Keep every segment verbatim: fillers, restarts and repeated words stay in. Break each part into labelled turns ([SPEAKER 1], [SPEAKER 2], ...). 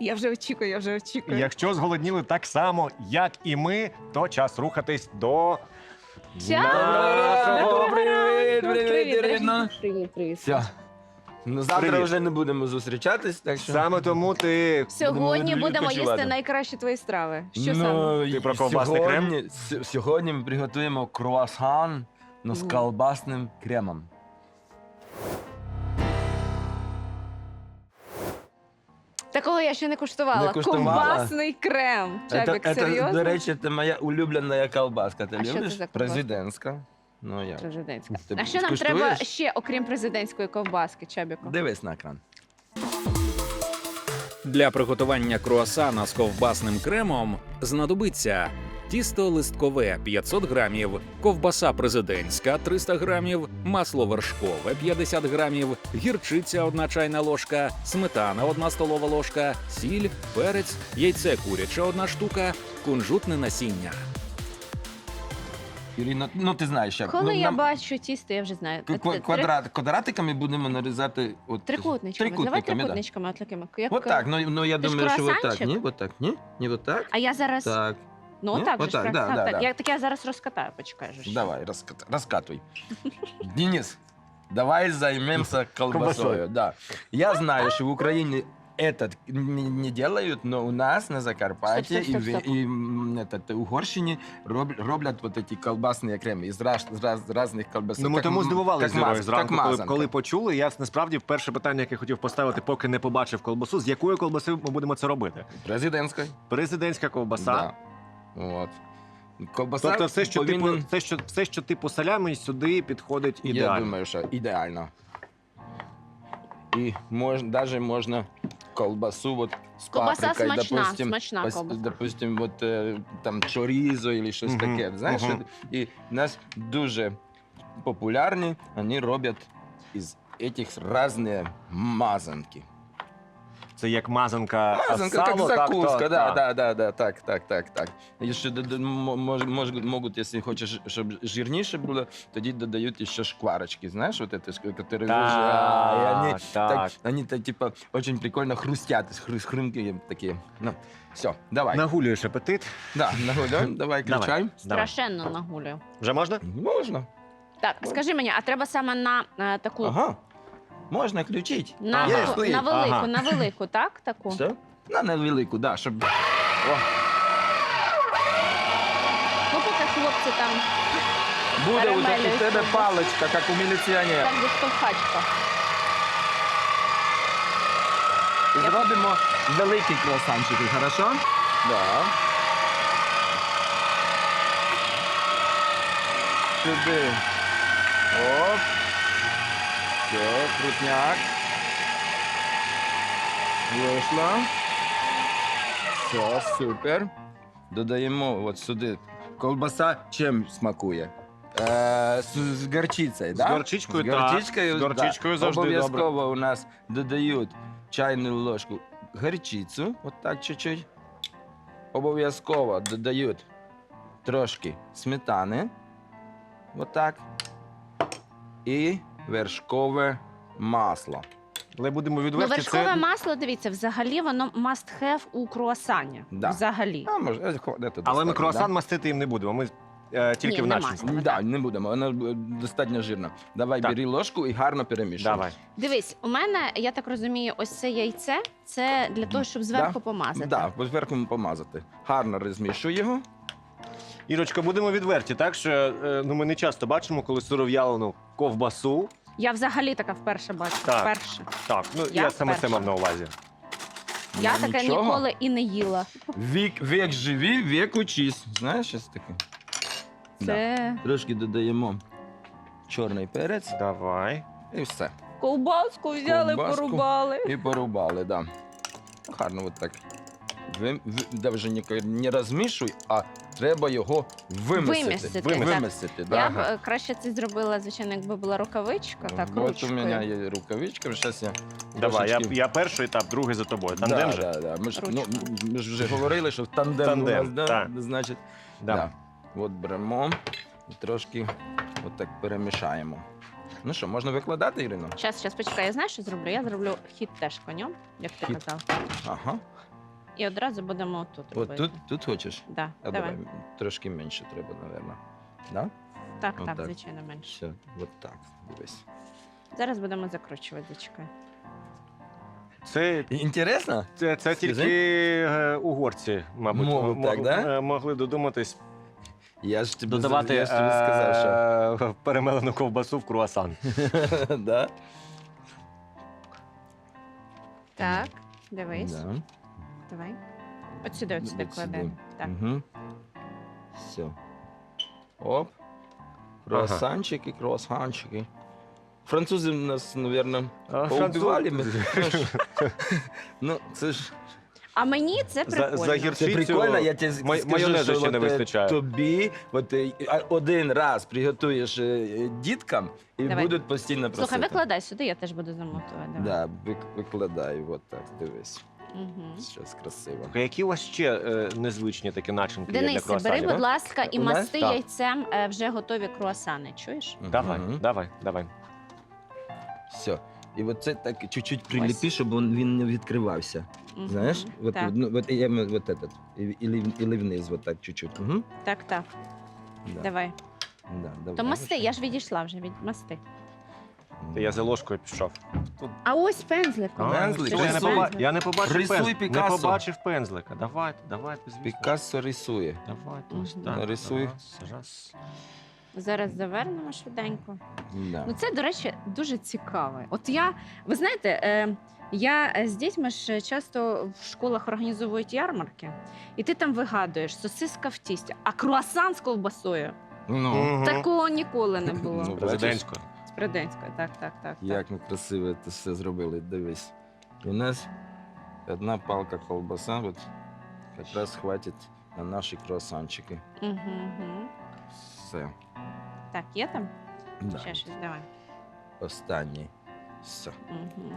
[SPEAKER 1] Я вже очікую, я вже очікую.
[SPEAKER 2] Якщо зголодніли так само, як і ми, то час рухатись до
[SPEAKER 1] Чао!
[SPEAKER 2] нашого...
[SPEAKER 3] Привіт, привіт,
[SPEAKER 1] Привіт,
[SPEAKER 3] Ірина.
[SPEAKER 1] Привіт, привіт.
[SPEAKER 3] Все. Ну, завтра
[SPEAKER 2] Привіт.
[SPEAKER 3] вже не будемо зустрічатись, так що...
[SPEAKER 2] Саме тому ти...
[SPEAKER 1] Сьогодні
[SPEAKER 3] Будемо
[SPEAKER 1] будемо їсти
[SPEAKER 3] відпочивати.
[SPEAKER 1] найкращі твої страви. Що
[SPEAKER 3] ну,
[SPEAKER 1] саме?
[SPEAKER 2] Ти про
[SPEAKER 3] і
[SPEAKER 2] ковбасний
[SPEAKER 3] сьогодні, с- Сьогодні ми приготуємо круасан ну, з
[SPEAKER 1] Мгм.
[SPEAKER 3] колбасним кремом.
[SPEAKER 1] Такого я ще не куштувала.
[SPEAKER 3] Не куштувала?
[SPEAKER 1] Ковбасний крем. Чабік,
[SPEAKER 3] Це,
[SPEAKER 1] серйозно?
[SPEAKER 3] до речі, це моя улюблена колбаска. Ти
[SPEAKER 1] А що це
[SPEAKER 3] любиш?
[SPEAKER 1] за ковбаска?
[SPEAKER 3] Президентська. Ну як?
[SPEAKER 1] Президентська.
[SPEAKER 3] Ти
[SPEAKER 1] А що нам
[SPEAKER 3] скуштуєш?
[SPEAKER 1] треба ще, окрім президентської ковбаски, Чабіку?
[SPEAKER 3] Дивись на екран.
[SPEAKER 4] Для приготування круасана з ковбасним кремом знадобиться тісто листкове п'ятсот грамів, ковбаса президентська триста грамів, масло вершкове п'ятдесят грамів, гірчиця одна чайна ложка, сметана одна столова ложка, сіль, перець, яйце куряче одна штука, кунжутне насіння.
[SPEAKER 3] Ірина, ну ти знаєш, як.
[SPEAKER 1] Коли
[SPEAKER 3] ну,
[SPEAKER 1] я
[SPEAKER 3] нам-
[SPEAKER 1] бачу тісто, я вже знаю.
[SPEAKER 3] К- ква- Квадрат, квадратиками будемо нарізати от,
[SPEAKER 1] Трикутничками. Давай
[SPEAKER 3] трикутниками, да.
[SPEAKER 1] трикутничками, от такими. Як...
[SPEAKER 3] Вот так, ну, ну я
[SPEAKER 1] Ти ж
[SPEAKER 3] думаю, що вот так.
[SPEAKER 1] круасанчик?
[SPEAKER 3] Ні, вот так, ні? Ні, вот так.
[SPEAKER 1] А я зараз...
[SPEAKER 3] Так,
[SPEAKER 1] Ну,
[SPEAKER 3] Ні?
[SPEAKER 1] так же ж.
[SPEAKER 3] Отак,
[SPEAKER 1] так,
[SPEAKER 3] да,
[SPEAKER 1] так,
[SPEAKER 3] да,
[SPEAKER 1] так.
[SPEAKER 3] да.
[SPEAKER 1] Я, так я зараз розкатаю, почекай. же ж.
[SPEAKER 3] давай, раскат, раскатывай. Денис, давай займемся колбасой.
[SPEAKER 2] Колбасой.
[SPEAKER 3] Да. Я знаю, что в Украине этот не, не делают, но у нас на Закарпатье
[SPEAKER 1] Стоп, стоп,
[SPEAKER 3] и,
[SPEAKER 1] стоп,
[SPEAKER 3] в-
[SPEAKER 1] стоп.
[SPEAKER 3] и м, этот, Угорщине роб, роблять вот эти колбасные кремы из раз, раз, разных колбасок.
[SPEAKER 2] Ну, ми
[SPEAKER 3] как
[SPEAKER 2] тому
[SPEAKER 3] м-
[SPEAKER 2] здивувалися
[SPEAKER 3] как маз-
[SPEAKER 2] зранку,
[SPEAKER 3] как
[SPEAKER 2] коли,
[SPEAKER 3] мазанка.
[SPEAKER 2] коли почули. Я насправді перше питання, яке хотів поставити, поки не побачив колбасу. З якої колбаси ми будемо це робити?
[SPEAKER 3] Президентской.
[SPEAKER 2] Президентська ковбаса.
[SPEAKER 3] Да. Вот. Колбаса
[SPEAKER 2] Тобто все, що
[SPEAKER 3] повинен-
[SPEAKER 2] типу, все, що, все, що типу салями, сюди підходить
[SPEAKER 3] Я
[SPEAKER 2] ідеально.
[SPEAKER 3] думаю, что идеально. И можно, даже можно колбасу вот с
[SPEAKER 1] Колбаса
[SPEAKER 3] паприкой,
[SPEAKER 1] смачна,
[SPEAKER 3] допустим,
[SPEAKER 1] смачна
[SPEAKER 3] пос-
[SPEAKER 1] колбаса.
[SPEAKER 3] допустим, вот э, там чорізо или щось
[SPEAKER 2] Мгм,
[SPEAKER 3] таке, знаєш?
[SPEAKER 2] мгм.
[SPEAKER 3] І в нас дуже популярні, вони роблять із этих різні мазанки.
[SPEAKER 2] Це як мазанка,
[SPEAKER 3] Мазанка,
[SPEAKER 2] сало,
[SPEAKER 3] как
[SPEAKER 2] так,
[SPEAKER 3] закуска,
[SPEAKER 2] то,
[SPEAKER 3] да,
[SPEAKER 2] так.
[SPEAKER 3] да, да, да, так, так, так, так. Якщо дода- мо- мож, мож, можуть, якщо хочеш, щоб жирніше було, тоді додають ще шкварочки, знаєш, вот это, которые
[SPEAKER 2] Так,
[SPEAKER 3] они,
[SPEAKER 2] так.
[SPEAKER 3] так, они так, типа, очень прикольно хрустят, хру- хрумкие такие. Ну, все, давай.
[SPEAKER 2] Нагулюєш апетит.
[SPEAKER 3] Да, нагодуємо, давай,
[SPEAKER 2] Давай.
[SPEAKER 3] включай.
[SPEAKER 2] Давай.
[SPEAKER 1] Страшенно нагулюю.
[SPEAKER 2] Вже можна?
[SPEAKER 3] Можна.
[SPEAKER 1] Так, скажи мені, а треба саме на е, таку,
[SPEAKER 3] Ага. Можна включити.
[SPEAKER 1] на,
[SPEAKER 2] Ага.
[SPEAKER 1] на,
[SPEAKER 3] Стоїть.
[SPEAKER 1] на велику,
[SPEAKER 2] Ага.
[SPEAKER 1] на велику, так? Таку?
[SPEAKER 3] Все? На невелику, да, щоб... О,
[SPEAKER 1] Ну, поки хлопці там,
[SPEAKER 3] буде у, те- у
[SPEAKER 1] Карамелю
[SPEAKER 3] тебе
[SPEAKER 1] із
[SPEAKER 3] паличка, як у міліціонера.
[SPEAKER 1] так відштовхачка.
[SPEAKER 3] І зробимо великий круасанчик, хорошо? Да. Сюди. Оп. Все, крутняк. Вийшло. Все, супер. Додаємо от сюди. Колбаса чим смакує? Е, з, з горчицею,
[SPEAKER 2] З
[SPEAKER 3] да?
[SPEAKER 2] горчичкою,
[SPEAKER 3] з
[SPEAKER 2] так.
[SPEAKER 3] горчичкою,
[SPEAKER 2] З горчичкою
[SPEAKER 3] да.
[SPEAKER 2] завжди
[SPEAKER 3] Обов'язково у нас додають чайну ложку горчицю, от так чуть-чуть. Обов'язково додають трошки сметани, от так. І вершкове масло.
[SPEAKER 2] Але будемо
[SPEAKER 1] Ну,
[SPEAKER 2] відверті,
[SPEAKER 1] вершкове
[SPEAKER 2] це...
[SPEAKER 1] масло, дивіться, взагалі воно must have у круасані.
[SPEAKER 3] Да.
[SPEAKER 1] Взагалі.
[SPEAKER 3] А, може, е, хо- де тут
[SPEAKER 2] Але ми
[SPEAKER 3] достатньо,
[SPEAKER 2] круасан
[SPEAKER 3] да?
[SPEAKER 2] мастити їм не будемо. Ми е, тільки
[SPEAKER 1] Ні,
[SPEAKER 2] в
[SPEAKER 1] не
[SPEAKER 2] начинці.
[SPEAKER 1] масло.
[SPEAKER 3] Да, не будемо, воно буде достатньо жирно. Давай,
[SPEAKER 2] Так.
[SPEAKER 3] бери ложку і гарно перемішуй.
[SPEAKER 2] Давай.
[SPEAKER 1] Дивись, у мене, я так розумію, ось це яйце, це для того, щоб зверху помазати.
[SPEAKER 3] Да, зверху помазати. Гарно розмішуй його.
[SPEAKER 2] Ірочка, будемо відверті, так що е, ну, ми не часто бачимо, коли сиров'ялену ковбасу.
[SPEAKER 1] Я взагалі така вперше бачу.
[SPEAKER 2] Так.
[SPEAKER 1] Вперше.
[SPEAKER 2] Так, ну я,
[SPEAKER 1] Я
[SPEAKER 2] саме це
[SPEAKER 1] вперше.
[SPEAKER 2] мав на увазі.
[SPEAKER 1] Я
[SPEAKER 3] Ну,
[SPEAKER 1] таке
[SPEAKER 3] нічого.
[SPEAKER 1] ніколи і не їла.
[SPEAKER 3] Вік, вік живі, вік учись. Знаєш, щось таке? Да.
[SPEAKER 1] Це
[SPEAKER 3] Трошки додаємо чорний перець
[SPEAKER 2] Давай.
[SPEAKER 3] і все.
[SPEAKER 1] ковбаску взяли,
[SPEAKER 3] Ковбаску.
[SPEAKER 1] порубали.
[SPEAKER 3] І порубали, да. Гарно от так. Ви, ви, даже не, не розмішуй, а треба його вимісити.
[SPEAKER 1] Вимісити,
[SPEAKER 2] так.
[SPEAKER 3] Вимісити, да.
[SPEAKER 1] Я б е, краще це зробила, звичайно, якби була рукавичка, так,
[SPEAKER 3] От у
[SPEAKER 1] ручкою.
[SPEAKER 3] мене є рукавичка, зараз я
[SPEAKER 2] Давай, я,
[SPEAKER 3] трошечки-
[SPEAKER 2] я перший етап, другий за тобою. Тандем
[SPEAKER 3] да,
[SPEAKER 2] же?
[SPEAKER 3] да, да. Ми, ж, ну,
[SPEAKER 1] Ручку.
[SPEAKER 3] ми ж вже говорили, що тандем,
[SPEAKER 2] Тандем,
[SPEAKER 3] у нас, да,
[SPEAKER 2] так.
[SPEAKER 3] значить.
[SPEAKER 2] Да.
[SPEAKER 3] Да. От беремо і трошки от так перемішаємо. Ну що, можна викладати, Ірино?
[SPEAKER 1] Щас, щас, почекай, я знаю, що зроблю? Я зроблю хід теж конем, як ти
[SPEAKER 3] Хід.
[SPEAKER 1] казав.
[SPEAKER 3] Ага.
[SPEAKER 1] І одразу будемо тут
[SPEAKER 3] От
[SPEAKER 1] робити.
[SPEAKER 3] тут, тут хочеш?
[SPEAKER 1] Да,
[SPEAKER 3] А
[SPEAKER 1] давай.
[SPEAKER 3] давай. Трошки менше треба, напевно. Да?
[SPEAKER 1] Так,
[SPEAKER 3] От
[SPEAKER 1] так,
[SPEAKER 3] так.
[SPEAKER 1] звичайно, менше.
[SPEAKER 3] Все, от так. Дивись.
[SPEAKER 1] Зараз будемо закручувати, зачекай.
[SPEAKER 2] Це,
[SPEAKER 3] Інтересно?
[SPEAKER 2] це, це
[SPEAKER 3] Скажи.
[SPEAKER 2] тільки е, угорці, мабуть,
[SPEAKER 3] Можуть
[SPEAKER 2] м-
[SPEAKER 3] так,
[SPEAKER 2] мог-
[SPEAKER 3] да?
[SPEAKER 2] е, могли додуматись
[SPEAKER 3] Я ж тобі,
[SPEAKER 2] додавати
[SPEAKER 3] я ж тобі сказав, що...
[SPEAKER 2] е, перемелену ковбасу в круасан.
[SPEAKER 3] да?
[SPEAKER 1] Так, дивись.
[SPEAKER 3] Да.
[SPEAKER 1] Давай. От сюди, от сюди
[SPEAKER 3] От сюди.
[SPEAKER 1] кладемо. Так.
[SPEAKER 3] Угу. Все. Оп. Круасанчики, круасанчики. Французи нас, мабуть,
[SPEAKER 2] А,
[SPEAKER 3] поубивали.
[SPEAKER 2] француз-
[SPEAKER 3] Ми. Ну, це ж
[SPEAKER 1] А мені це
[SPEAKER 2] За-
[SPEAKER 1] прикольно.
[SPEAKER 2] за
[SPEAKER 3] це
[SPEAKER 2] гірчицю
[SPEAKER 3] прикольно, я тебе
[SPEAKER 2] май-
[SPEAKER 3] скажу,
[SPEAKER 2] майонезу
[SPEAKER 3] що
[SPEAKER 2] ще не
[SPEAKER 3] от, е,
[SPEAKER 2] вистачає.
[SPEAKER 3] тобі от, е, а- один раз приготуєш е, діткам і
[SPEAKER 1] Давай.
[SPEAKER 3] будуть постійно просити.
[SPEAKER 1] Слухай, викладай сюди, я теж буду замотувати. Давай.
[SPEAKER 3] Да, вик- викладай, от так, дивись.
[SPEAKER 1] Угу.
[SPEAKER 3] Зараз красиво.
[SPEAKER 2] А які у вас ще е, незвичні такі начинки є для
[SPEAKER 1] Денисе,
[SPEAKER 2] круасанів?
[SPEAKER 1] бери, будь ласка, і
[SPEAKER 3] У нас?
[SPEAKER 1] масти
[SPEAKER 2] Так.
[SPEAKER 1] яйцем е, вже готові круасани. Чуєш?
[SPEAKER 2] Давай,
[SPEAKER 3] Мгм.
[SPEAKER 2] давай, давай.
[SPEAKER 3] Все. І от це так чуть-чуть приліпи, щоб він, він не відкривався.
[SPEAKER 1] Мгм.
[SPEAKER 3] Знаєш? От,
[SPEAKER 1] Так.
[SPEAKER 3] ну, от, я, от этот. І, і, лив- і вниз, от так чуть-чуть. Угу.
[SPEAKER 1] Так, так.
[SPEAKER 3] Да.
[SPEAKER 1] Давай.
[SPEAKER 3] Да, давай.
[SPEAKER 1] То масти, я ж відійшла вже від масти.
[SPEAKER 2] Та я за ложкою пішов.
[SPEAKER 1] А ось пензликом.
[SPEAKER 3] А, Пензлик,
[SPEAKER 1] Це
[SPEAKER 2] я,
[SPEAKER 1] ж
[SPEAKER 2] не
[SPEAKER 3] рисуй.
[SPEAKER 2] поба...
[SPEAKER 1] пензлик.
[SPEAKER 2] я не побачив
[SPEAKER 3] Рисуй
[SPEAKER 2] пензлика. Не
[SPEAKER 3] Пікассо.
[SPEAKER 2] побачив пензлика. Давайте, давайте, звісно.
[SPEAKER 3] Пікассо рисує.
[SPEAKER 2] Давайте, ось
[SPEAKER 1] Мгм.
[SPEAKER 2] так.
[SPEAKER 3] Рисуй.
[SPEAKER 2] Раз, раз.
[SPEAKER 1] Зараз завернемо швиденько.
[SPEAKER 3] Да.
[SPEAKER 1] Ну це, до речі, дуже цікаво. От я, ви знаєте, е, я е, з дітьми ж часто в школах організовують ярмарки, і ти там вигадуєш сосиска в тісті, а круасан з ковбасою.
[SPEAKER 3] Ну,
[SPEAKER 2] Мгм.
[SPEAKER 1] Такого ніколи не
[SPEAKER 3] Ну,
[SPEAKER 1] було.
[SPEAKER 2] Президентською.
[SPEAKER 1] З Приденською, так, так, так. так.
[SPEAKER 3] як ми красиво це все зробили, дивись. У нас одна палка колбаса, от якраз хватить на наші круасанчики.
[SPEAKER 1] Угу, угу.
[SPEAKER 3] Все.
[SPEAKER 1] Так, є там?
[SPEAKER 3] Да.
[SPEAKER 1] Ще щось, давай.
[SPEAKER 3] Останній. Все.
[SPEAKER 1] Угу.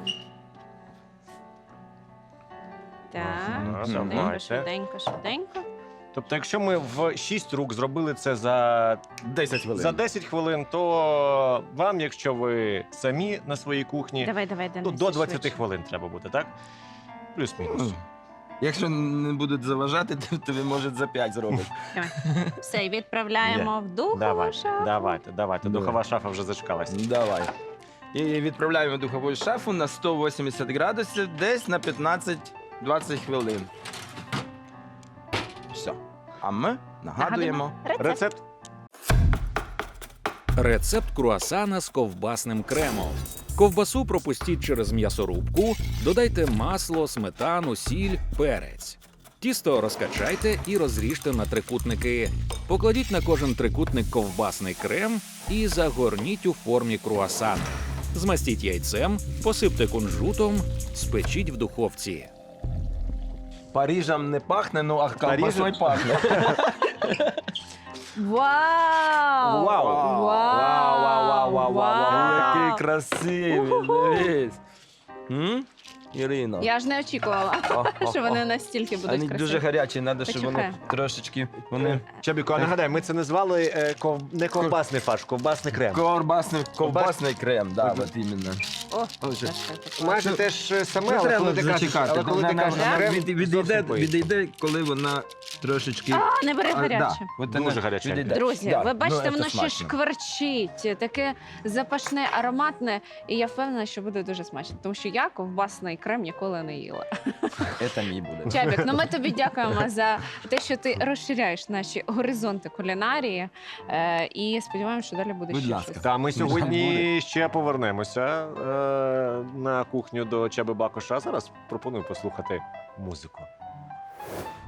[SPEAKER 1] Так,
[SPEAKER 2] Ага,
[SPEAKER 1] швиденько,
[SPEAKER 2] давайте.
[SPEAKER 1] швиденько, швиденько.
[SPEAKER 2] Тобто, якщо ми в шість рук зробили це за,
[SPEAKER 3] десять хвилин.
[SPEAKER 2] за десять хвилин, то вам, якщо ви самі на своїй кухні,
[SPEAKER 1] Давай, давай,
[SPEAKER 2] то
[SPEAKER 1] Денис.
[SPEAKER 2] до двадцяти хвилин треба буде, так? Плюс-мінус.
[SPEAKER 3] Ну, якщо не будуть заважати, то тобі може за п'ять зробити.
[SPEAKER 1] Все, і відправляємо в духову
[SPEAKER 2] Давай,
[SPEAKER 1] шафу.
[SPEAKER 2] давайте, давайте.
[SPEAKER 3] Давай.
[SPEAKER 2] Духова шафа вже зачекалася.
[SPEAKER 3] Давай. І відправляємо в духову шафу на сто вісімдесят градусів десь на п'ятнадцять-двадцять хвилин. Все. А ми нагадуємо.
[SPEAKER 1] Рецепт.
[SPEAKER 2] Рецепт.
[SPEAKER 4] Рецепт круасана з ковбасним кремом. Ковбасу пропустіть через м'ясорубку, додайте масло, сметану, сіль, перець. Тісто розкачайте і розріжте на трикутники. Покладіть на кожен трикутник ковбасний крем і загорніть у формі круасана. Змастіть яйцем, посипте кунжутом, спечіть в духовці.
[SPEAKER 3] Парижем не пахне, ну а колбасою
[SPEAKER 2] Парижем?
[SPEAKER 3] пахне.
[SPEAKER 1] Вау!
[SPEAKER 2] Вау!
[SPEAKER 1] Вау!
[SPEAKER 2] Вау, вау, вау, вау, вау.
[SPEAKER 3] Який красивий, дивись. М? Ірино.
[SPEAKER 1] Я ж не очікувала,
[SPEAKER 3] О,
[SPEAKER 1] що
[SPEAKER 3] о,
[SPEAKER 1] вони
[SPEAKER 3] о.
[SPEAKER 1] настільки будуть
[SPEAKER 3] Вони
[SPEAKER 1] красиві.
[SPEAKER 3] дуже гарячі, треба, щоб вони
[SPEAKER 1] Почекай.
[SPEAKER 3] трошечки вони
[SPEAKER 2] Чабіко, а нагадай, ми це назвали е, ков... не ковбасний фарш, ковбасний крем.
[SPEAKER 3] ковбасний, ковбасний крем, да, от іменно.
[SPEAKER 1] О,
[SPEAKER 3] Отже.
[SPEAKER 1] так, так, так.
[SPEAKER 2] Майже теж е, саме,
[SPEAKER 3] Не
[SPEAKER 2] але
[SPEAKER 3] треба
[SPEAKER 2] коли ти кажеш,
[SPEAKER 3] зачекати.
[SPEAKER 2] але коли ти
[SPEAKER 3] Вона-
[SPEAKER 2] кажеш
[SPEAKER 3] вона
[SPEAKER 2] крем,
[SPEAKER 3] від- відійде,
[SPEAKER 2] зовсім по-іншому.
[SPEAKER 3] відійде, коли вона трошечки.
[SPEAKER 1] А, не бери
[SPEAKER 3] А,
[SPEAKER 1] гаряче.
[SPEAKER 3] да, от
[SPEAKER 2] Дуже
[SPEAKER 3] вона
[SPEAKER 2] гаряченька.
[SPEAKER 3] відійде.
[SPEAKER 1] Друзі,
[SPEAKER 3] Да,
[SPEAKER 1] ви бачите,
[SPEAKER 3] ну,
[SPEAKER 1] воно
[SPEAKER 3] це
[SPEAKER 1] ще
[SPEAKER 3] смачно.
[SPEAKER 1] шкварчить, таке запашне, ароматне, і я впевнена, що буде дуже смачно, тому що я ковбасний крем ніколи не їла.
[SPEAKER 3] Це мій буде.
[SPEAKER 1] Чабік, ну ми тобі дякуємо за те, що ти розширяєш наші горизонти кулінарії, е, і сподіваємося, що далі буде
[SPEAKER 3] Будь
[SPEAKER 1] ще
[SPEAKER 3] ласка.
[SPEAKER 1] щось.
[SPEAKER 2] Та ми
[SPEAKER 3] Буде.
[SPEAKER 2] сьогодні ще повернемося е, на кухню до Чаби Бакоша. А зараз пропоную послухати музику.